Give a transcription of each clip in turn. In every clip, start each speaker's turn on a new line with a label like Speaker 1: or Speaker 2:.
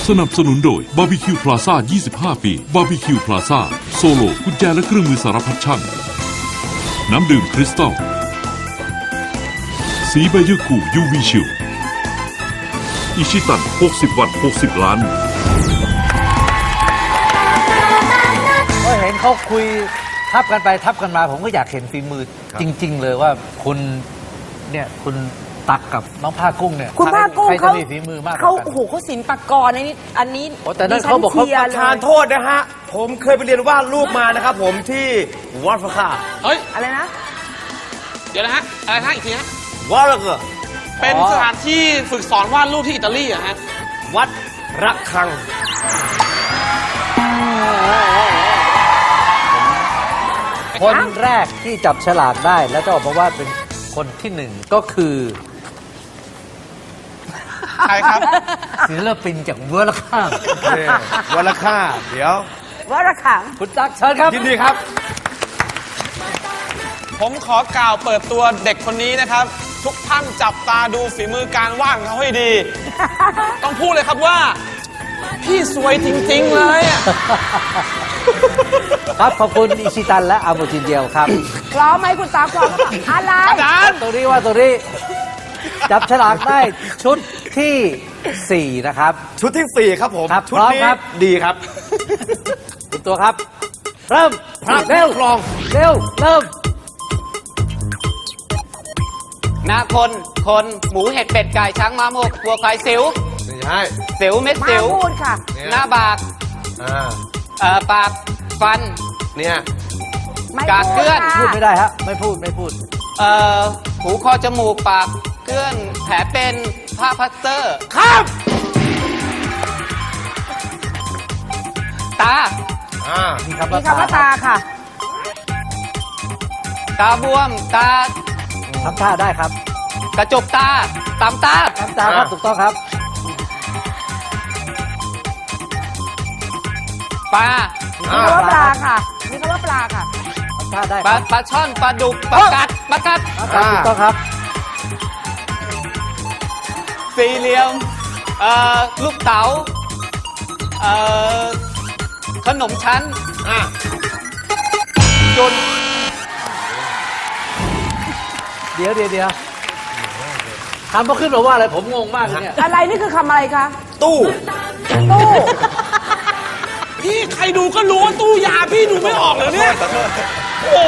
Speaker 1: สนับสนุนโดยบาร์บีคิวพลาซ่า 25 ปีบาร์บีคิวพลาซ่าโซโลกุญแจและเครื่องมือสารพัดช่างน้ำดื่มคริสตัลสีใบยืดคู่ UV ชิลอิชิตัน60 วัตต์ 60 ล้าน
Speaker 2: ก็เห็นเขาคุยทับกันไปทับกันมาผมก็อยากเห็นฝีมือจริงๆเลยว่าคุณเนี่ยคุณตักกับน้องผ้ากุ้งเนี่ย
Speaker 3: คุณผ้ากุ้ง
Speaker 2: ใครจะมีฝีมือมากกว่า
Speaker 3: เขา
Speaker 2: กัน
Speaker 3: โอ้โหเขาศิลปากรอันนี้
Speaker 2: โอ้แต่นั่นเขาบอกเขา
Speaker 3: ดิฉันชียร์
Speaker 4: ทานโทษนะฮะ ผมเคยไปเรียนวาดรูปมานะครับผมที่วัดพระค่า
Speaker 5: เฮ้ย
Speaker 3: อะไรนะ
Speaker 5: เดี๋ยวนะฮะ อะไรฮะอีกทีฮะ
Speaker 4: วัดระเกอ
Speaker 5: เป็นสถานที่ฝึกสอนวาดรูปที่อิตาลีอะฮะ
Speaker 4: วัดระฆัง
Speaker 2: คนแรกที่จับฉลากได้แล้วจะออกมาว่าเป็นคนที่หนึ่งก็คือ
Speaker 5: ใครครับ
Speaker 2: ศิลปินจากเวอร์ลข้าง
Speaker 4: วัดระฆังเดี๋ยว
Speaker 3: ว่าระขัง
Speaker 2: คุณตักเชิญครับ
Speaker 4: ยินดีครับ
Speaker 5: ผมขอกล่าวเปิดตัวเด็กคนนี้นะครับ ทุกท่านจับตาดูฝีมือการวาดของเขาให้ดี ต้องพูดเลยครับว่า พี่สวยจริง ๆ เลยอะ
Speaker 2: ครับขอบคุณอิชิตันและอาโมจินเดียวครับ
Speaker 3: พร้อมไหมคุณตาพร้อมหรือเปล่าอะไร
Speaker 5: อาจารย์
Speaker 2: ตัวนี้ว่าตัวนี้จับฉลากได้ชุดที่ 4 นะครับ
Speaker 4: ชุดที่ 4 ครับผม
Speaker 2: ครับ
Speaker 4: ชุด
Speaker 2: พร้อม
Speaker 4: นี้
Speaker 2: ครับ
Speaker 4: ดีครับ
Speaker 2: คุณตัวครับ เริ่ม
Speaker 4: ครับ
Speaker 2: เร็ว
Speaker 4: คลอง
Speaker 2: เร็วเริ่ม
Speaker 6: นาคน หมูเห็ดเป็ดไก่ช้างม้าหมกวัวควายสิว
Speaker 4: นี่ใช่
Speaker 6: สิวเม็ด
Speaker 3: มา
Speaker 6: สิว
Speaker 3: พูดค่ะ
Speaker 6: หน้าบาก ปาก ฟัน
Speaker 4: เนี่ย
Speaker 3: ไม่
Speaker 6: กากเกลื่อน
Speaker 2: พูด
Speaker 3: ค่ะ
Speaker 2: ไม่ได้ฮะไม่พูด
Speaker 6: หูคอจมูกปากเกลื่อนแผลเป็นผ้าพลาสเตอร์
Speaker 4: ข้าม
Speaker 6: ตา
Speaker 2: มีคำ
Speaker 3: มี
Speaker 2: ว่า
Speaker 3: คำว่าตาค่ะ
Speaker 6: ตาบวม ตา
Speaker 2: ทำท่าได้ครับ
Speaker 6: กระจกตาตามตา
Speaker 2: ทำตาครับถูกต้องครับ
Speaker 6: ปลา
Speaker 3: มีคำว่าปลาค่ะ มีคำว่าปลาค่ะ
Speaker 2: ทำท่าได้
Speaker 6: ป
Speaker 2: ค
Speaker 6: ลา
Speaker 2: รับ
Speaker 6: ปลาช่อนปลาดุกปลากัดปลากัด
Speaker 2: ครับถูกต้องครับ
Speaker 6: สี่เหลี่ยม ลูกเต๋า ขนมชั้น จุน
Speaker 2: เดี๋ยวทำมาขึ้นมาว่าอะไรผมงงมากเลยเนี่ย
Speaker 3: อะไรนี่คือคำอะไรคะ
Speaker 4: ตู้
Speaker 3: ตู้
Speaker 5: พี่ใครดูก็รู้ว่าตู้ยาพี่ดูไม่ออกเหรอเนี่ย โอ้โห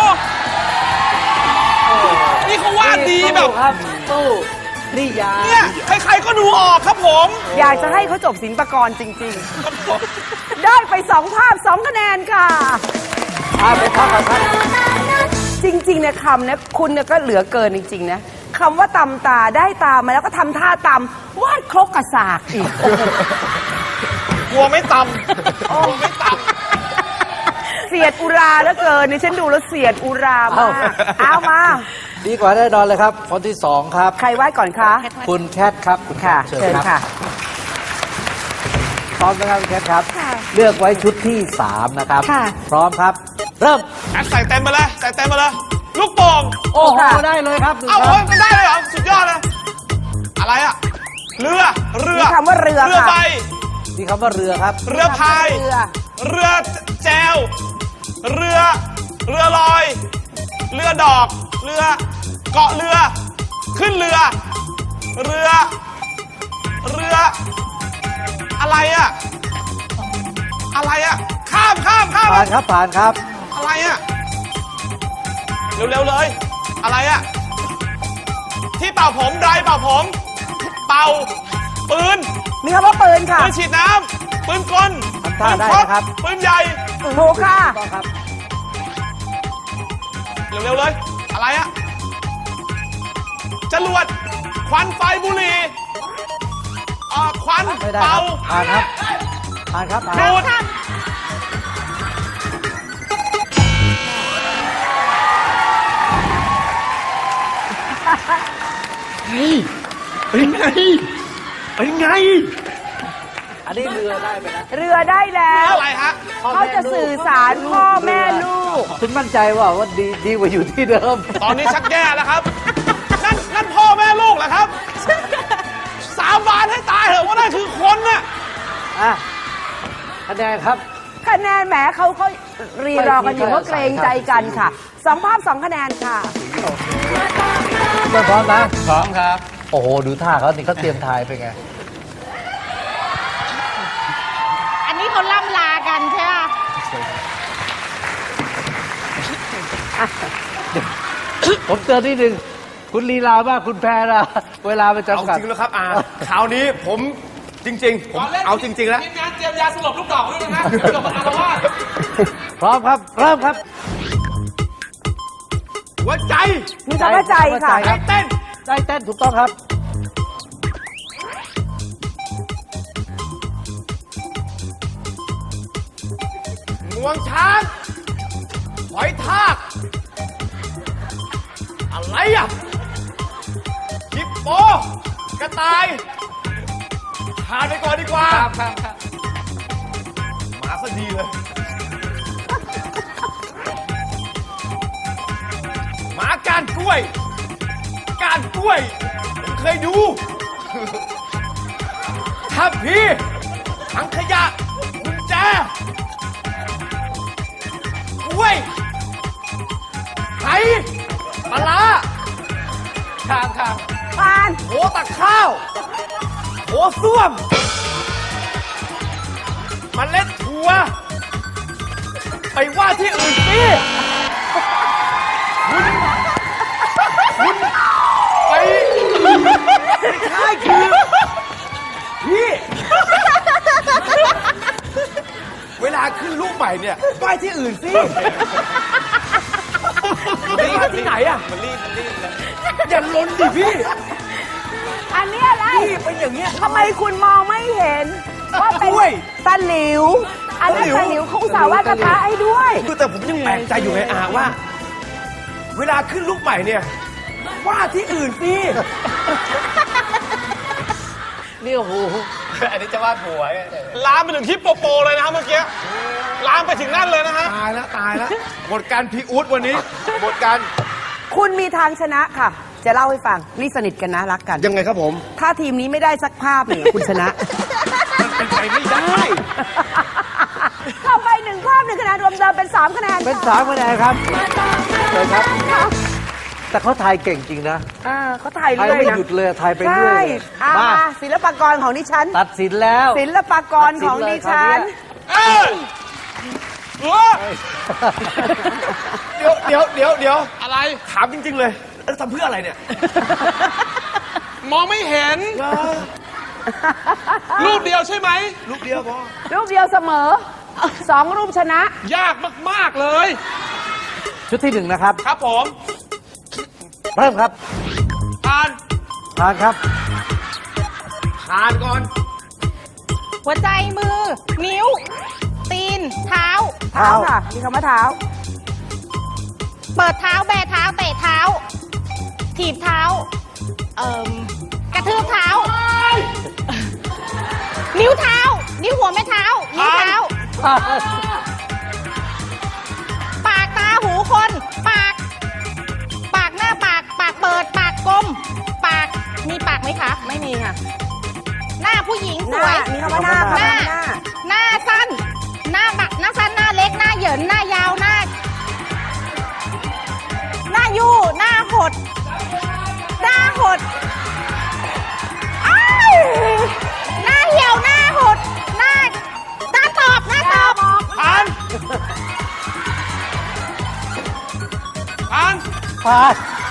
Speaker 5: นี่เขาวาดดีแบบ
Speaker 2: ครับตู้นี่ยา
Speaker 5: เนี่ยใครๆก็ดูออกครับผม
Speaker 3: อยากจะให้เขาจบศิลปากรจริง ๆ ได้ไป2 ภาพ 2 คะแนนค่ะ
Speaker 2: ไปพักก่อนครับ
Speaker 3: จริงๆเนี่ยคำเนี่ยคุณเนี่ยก็เหลือเกินจริง ๆ นะคำว่าตำตาได้ตามาแล้วก็ทำท่าตำวาดครกกระสากอีก
Speaker 5: กลัวไม่ตำกลัวไม่ต
Speaker 3: เสียดอุราแล้วเกินนี่ฉันดูแล้วเสียดอุรามากเอามา
Speaker 2: ดีกว่าแน่นอนเลยครับ คนที่ 2 ครับ
Speaker 3: ใครวาดก่อนคะ
Speaker 2: คุณแคทครับคุณ
Speaker 3: ค่ะ
Speaker 2: แคท
Speaker 3: เชิญค่ะ
Speaker 2: พร้อมนะครับคุณแคทครับ
Speaker 3: ค่ะ
Speaker 2: เลือกไว้ชุดที่ 3 นะครับ
Speaker 3: ค่ะ
Speaker 2: พร้อมครับ เริ่ม
Speaker 5: ำใส่เต็มไปเลย ใส่เต็มไปเลย ลูกโป่ง
Speaker 2: โอ้โหได้เลยครับหนึ่ง
Speaker 5: เอ้า
Speaker 2: ค
Speaker 5: โอ้
Speaker 2: รั
Speaker 5: ย
Speaker 2: บ
Speaker 5: มันได้เลยเหรอ สุดยอดเลย อะไรอะเรือ
Speaker 3: มีคำว่าเรือ
Speaker 5: เรือ
Speaker 3: ค่ะ
Speaker 5: ใบ
Speaker 2: มีคำว่าเรือครับ
Speaker 5: เรือพาย
Speaker 3: เรือ
Speaker 5: เรือแจว เรือลอย เรือดอก เรือ เกาะเรือ ขึ้นเรือ เรือ อะไรอะอะไรอะข้าม
Speaker 2: ผ่านครับผ่านครับ
Speaker 5: อะไรอะเร็วๆเลย อะไรอะที่เป่าผมไดร์เป่าผม เป่า ปืน
Speaker 3: มีคำว่าปืนค่ะ
Speaker 5: ปืนฉีดน้ำปืนกล
Speaker 2: ทำท่าได้นะครับ
Speaker 5: ปืนใหญ่
Speaker 3: ถูกค่ะ
Speaker 2: ต้องครับ
Speaker 5: เร็วๆเลย อะไรอะจรวดควันไฟบุหรี่ควัน
Speaker 2: ไม่ได้ค
Speaker 5: เป่า
Speaker 2: รับผ่านครับผ่านครับผ่าน
Speaker 5: ดูด
Speaker 4: เป็นไง เป็นไง
Speaker 2: อันนี้เรือได้ไหมนะ
Speaker 3: เรือได้แล้ว
Speaker 5: อะไรฮะ
Speaker 3: เขาจะสื่อสารพ่อแม่ลูก
Speaker 2: คุณมั่นใจว่าดีกว่าอยู่ที่เดิม
Speaker 5: ตอนนี้ชักแย่แล้วครับ นั่นพ่อแม่ลูกเหรอครับ สาบานให้ตายเถอะว่านั่นคือคนน่ะ
Speaker 2: อ่ะคะแนนครับ
Speaker 3: คะแนนแหมเขารีรอกันอยู่ว่าเกรงใจกันค่ะ2 ภาพ 2 คะแนนค่ะ
Speaker 2: เริ่มพร้อมนะ
Speaker 6: พร้อมครับ
Speaker 2: โอ้โห ดูท่าเขานี่เขาเตรียมทายไปไง
Speaker 7: อันนี้เขาล่ำลากันใช่ไหม
Speaker 2: ผมเตือนนิดนึงคุณลีลามากคุณแพรนะเวลาไป
Speaker 4: เอา
Speaker 2: จำกัด
Speaker 4: จริงแล้วครับคราวนี้ผมจริง ๆ ผมเอาจริง ๆ แล้ว
Speaker 5: ทีมงานเตรียมยาสลบลูกดอกด้วยนะเดี๋ยวมาอารวาส
Speaker 2: พร้อมครับ เริ่มครับ
Speaker 4: หัวใจ
Speaker 3: มีคำว่าใจค่ะ
Speaker 2: ใจครับ
Speaker 4: เต้น
Speaker 2: ใจเต้นถูกต้องครับ
Speaker 4: งวงช้างหอยทาก อะไรอ่ะฮิปโปกระต่ายทานไปก่อนดีกว่า
Speaker 6: ครับครับ
Speaker 4: มาซะดีเลย หมาก้านกล้วย ก้านกล้วย ผมเคยดู ทัพพีถังขยะกุญแจกล้วยไหปลาร้า
Speaker 6: ครับครับ
Speaker 3: ผ่าน
Speaker 4: โหตักข้าวโหส้วมเมล็ดถั่ว ไปว่าที่อื่นสิคุณไปไม่ใช่คือพี่ เวลาขึ้นลูกใหม่เนี่ยไหว้ที่อื่นสิไปว่าที่ไหนอ่ะ
Speaker 6: มันรีบเลย
Speaker 4: อย่าลนดิพี่
Speaker 3: อันนี้อะไร
Speaker 4: พี่เป็นอย่างเงี้ย
Speaker 3: ทำไมคุณมองไม่เห็น ว่าเป็น
Speaker 4: กล้วย
Speaker 3: ตะหลิว อันนั้นตะหลิวเขาอุตส่าห์วาดกระทะให้ด้วย
Speaker 4: คือแต่ผมยังแปลกใจอยู่ไงว่า เวลาขึ้นลูกใหม่เนี่ยว่าที่อื่นสิ
Speaker 2: นี่โอ้โห
Speaker 6: อันนี้จะวาดผัว
Speaker 5: ลามไปถึงฮิปโปโปเลยนะครับเมื่อกี้ ลามไปถึงนั่นเลยนะฮะ
Speaker 4: ตายแล้วหมดการพีอูดวันนี้หมดการ
Speaker 3: คุณมีทางชนะค่ะ จะเล่าให้ฟัง นี่สนิทกันนะรักกัน
Speaker 4: ยังไงครับผม
Speaker 3: ถ้าทีมนี้ไม่ได้สักภาพเนี่ยคุณชนะ
Speaker 4: มันเป็นไปไม่ได้
Speaker 3: เข้าไป1 ภาพ 1 คะแนนรวมเดิมเป็น 3 คะแนน
Speaker 2: เป็น
Speaker 3: ค่ะ
Speaker 2: 3 คะแนนครับเลยครับ แต่เขาทายเก่งจริงนะ
Speaker 3: เขาถ่าย
Speaker 2: ทาย
Speaker 3: เรื่อย
Speaker 2: ไม่
Speaker 3: นะ
Speaker 2: หยุดเลยทายไปเรื่
Speaker 3: ใช่
Speaker 2: อยเลย
Speaker 3: เอา
Speaker 2: มา
Speaker 3: มาศิลปากรของดิฉัน
Speaker 2: ตัดสินแล้ว
Speaker 3: ศิลปากรของดิฉัน
Speaker 5: เอ้ยเออ
Speaker 4: เดี๋ยว
Speaker 5: อะไร
Speaker 4: ถามจริง ๆ เลยทำเพื่ออะไรเนี่ย
Speaker 5: มองไม่เห็น รูปเดียวใช่ไหม
Speaker 4: ลูกเดียวพอ
Speaker 3: รูปเดียวเสมอ 2 รูปชนะ
Speaker 5: ยากมาก ๆ เลย
Speaker 2: ชุดที่ 1 นะครับ
Speaker 5: ครับผม
Speaker 2: เริ่มครับ
Speaker 5: อ่าน
Speaker 2: ทานครับ
Speaker 4: ทานก่อน
Speaker 7: หัวใจมือ นิ้ว ตีน เท้า
Speaker 3: เท้าค่ะ มีคำว่าเท้า
Speaker 7: เปิดเท้าแบเท้าเตะเท้า ถีบเท้า กระทืบเท้า นิ้วเท้า นิ้วหัวแม่เท้า นิ้วเท้า ปากตาหูคน ปาก ปากหน้าปาก ปากเปิด ปากกลม ปาก มีปากไหมคะ
Speaker 3: ไม่มีค่ะ
Speaker 7: หน้าผู้หญิง
Speaker 3: ห
Speaker 7: ส
Speaker 3: น้า
Speaker 7: วย
Speaker 3: มีคำว่าหน้า
Speaker 7: ห
Speaker 3: ค่ะ
Speaker 7: น้า
Speaker 3: หน้า
Speaker 7: หน้าสั้น หน้าบักหน้าสั้น หน้าเล็ก หน้าเหยิน หน้ายาว หน้า หน้ายู่ หน้าหด หน้าหดอ้ายหน้าเหี่ยว หน้าหด หน้าตอบ หน้าตอบ
Speaker 5: อ่าน อ่าน
Speaker 2: พาน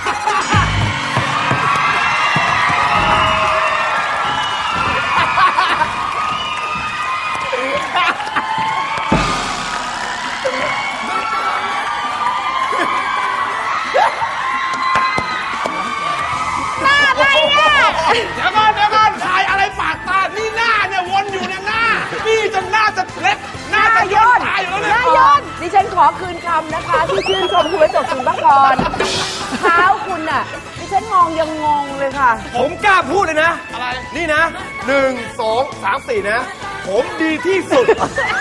Speaker 7: หน้าอะไรอ่ะ
Speaker 5: เดี๋ยวก่อนถ่ายอะไรปากตา นี่หน้าเนี่ยวนอยู่เนี่ยหน้า นี่จนหน้าจะเล็ก หน้าจะย่นตายอยู่แล้ว
Speaker 3: ห
Speaker 5: เนี่ย
Speaker 3: น้ายนดิฉันขอคืนคำนะคะ ที่ชื่นชมคุณประจบศิลปากร เท้าคุณน่ะ ดิฉันมองยังงงเลยค่ะ
Speaker 4: ผมกล้าพูดเลยนะ
Speaker 5: อะไร
Speaker 4: นี่นะ 1 2 3 4 นะ ผมดีที่สุด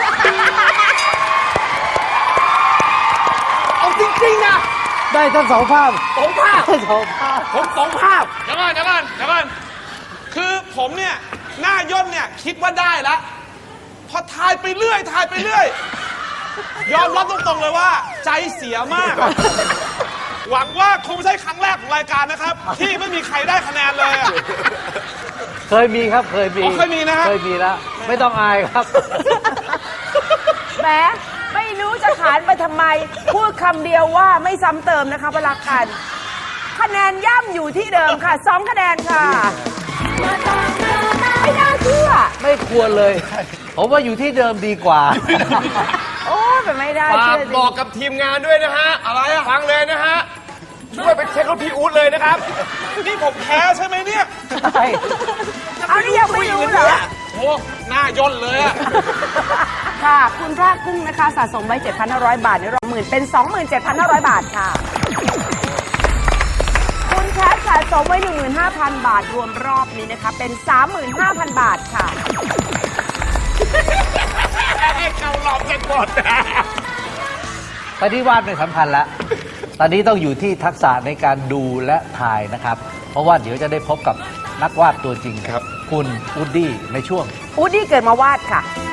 Speaker 4: เอาจริง ๆ นะ
Speaker 2: ได้ทั้ง2 ภาพ
Speaker 4: 2 ภาพ
Speaker 2: ได้2 ภาพ
Speaker 4: ผม2 ภาพ
Speaker 5: เดี๋ยวก่อนคือผมเนี่ย หน้าย่นเนี่ยคิดว่าได้ละพอทายไปเรื่อยทายไปเรื่อย ยอมรับตรงๆเลยว่า ใจเสียมาก หวังว่าคงไม่ใช่ครั้งแรกของรายการนะครับ ที่ไม่มีใครได้คะแนนเลยอะ
Speaker 2: เคยมีครับเคยมี
Speaker 5: อ๋อเคยมีนะฮะ
Speaker 2: เคยมีแล้วไม่ต้องอายครับ
Speaker 3: แหมไม่รู้จะขานไปทำไม พูดคำเดียวว่าไม่ซ้ำเติมนะคะพลักกันคะแนนย่ำอยู่ที่เดิมค่ะ2คะแนนค่ะ ไม่น่าเชื่อ
Speaker 2: ไม่ควรเลย ผมว่าอยู่ที่เดิมดีกว่า
Speaker 3: โอ้ยเป็นไม่ได้
Speaker 4: ฝา
Speaker 3: เชื่
Speaker 4: ก
Speaker 3: อจริ
Speaker 4: บอก
Speaker 3: ง
Speaker 4: กับทีมงานด้วยนะฮะ อะไรอะฟังเลยนะฮะ ช่วยไปเช็ครถพี่อู๊ดเลยนะครับ
Speaker 5: นี่ผมแพ้ใช่ไหมเนี่ย
Speaker 2: ใช่
Speaker 3: เอานี่ยังไม่รู้เหรอ
Speaker 5: โอ้หน้าย่นเลยอะ
Speaker 3: ค่ะ คุณพระกุ้งนะคะสะสมไว้ 7,500 บาทในรอบหมื่นเป็น 27,500 บาทค่ะ คุณแคทสะสมไว้ 15,000 บาทรวมรอบนี้นะคะ เป็น 35,000 บาทค่ะ
Speaker 4: ให้เขาหลอกกันหมด
Speaker 2: ตอนนี้วาดไม่สำคัญแล้ว ตอนนี้ต้องอยู่ที่ทักษะในการดูและถ่ายนะครับ เพราะว่าเดี๋ยวจะได้พบกับนักวาดตัวจริงครับ คุณอูดดี้ในช่วง
Speaker 3: อูดดี้เกิดมาวาดค่ะ